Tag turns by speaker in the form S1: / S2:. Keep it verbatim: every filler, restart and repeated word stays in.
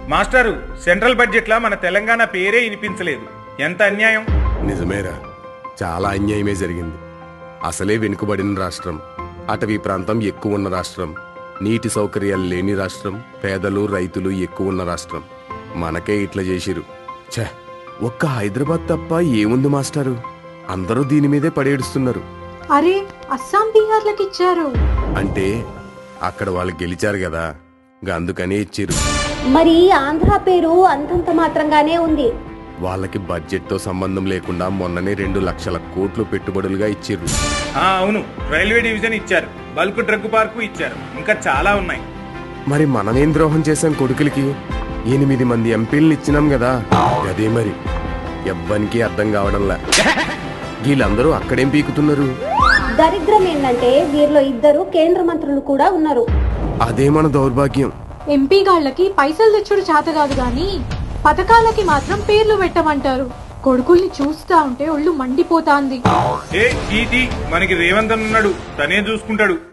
S1: మాస్టారు, central budget లా మన తెలంగాణ పేరే వినిపించలేదు. ఎంత అన్యాయం.
S2: నిజమేరా, చాలా అన్యాయమే జరిగింది. అసలే వెనుకబడిన రాష్ట్రం, అటవీ ప్రాంతం ఎక్కువ ఉన్న రాష్ట్రం, నీటి సౌకర్యాలు లేని రాష్ట్రం, పేదలు రైతులు ఎక్కువ ఉన్న రాష్ట్రం. మనకే ఇట్లా చేసిరు. ఛ, ఒక్క హైదరాబాద్ తప్ప ఏముంది మాస్టారు? అందరూ దీని మీదే పడేడుస్తున్నారు.
S3: అరే, అస్సాం బీహార్లకు ఇచ్చారు
S2: అంటే అక్కడ వాళ్ళు గెలిచారు కదా, అందుకనే ఇచ్చిరు.
S4: మరి ఆంధ్ర పేరు అంతంత మాత్రంగానే ఉంది.
S2: వాళ్ళకి బడ్జెట్ తో సంబంధం లేకుండా మొన్ననే రెండు లక్షల కోట్లు పెట్టుబడులుగా ఇచ్చిర్రు.
S1: అవును, రైల్వే డివిజన్ ఇచ్చారు, బల్క్ డ్రగ్ పార్కు ఇచ్చారు, ఇంకా చాలా ఉన్నాయి.
S2: మరి మనమేం ద్రోహం చేశాం కొడుకులకి? ఎనిమిది మంది ఎంపీలను ఇచ్చినాం కదా. అదే మరి ఎవ్వనికి అర్థం కావడంలా. వీళ్ళందరూ అక్కడేం పీకుతున్నారు?
S4: దరిద్రం ఏంటంటే వీరిలో ఇద్దరు కేంద్ర మంత్రులు కూడా ఉన్నారు.
S2: అదే మన దౌర్భాగ్యం.
S3: ఎంపీ గాళ్ళకి పైసలు తెచ్చుడు చేత కాదు గాని పథకాలకి మాత్రం పేర్లు పెట్టమంటారు. కొడుకుల్ని చూస్తా ఉంటే ఒళ్ళు మండిపోతాంది.
S1: ఏ మనకి రేవంత్ ఉన్నాడు, తనే చూసుకుంటాడు.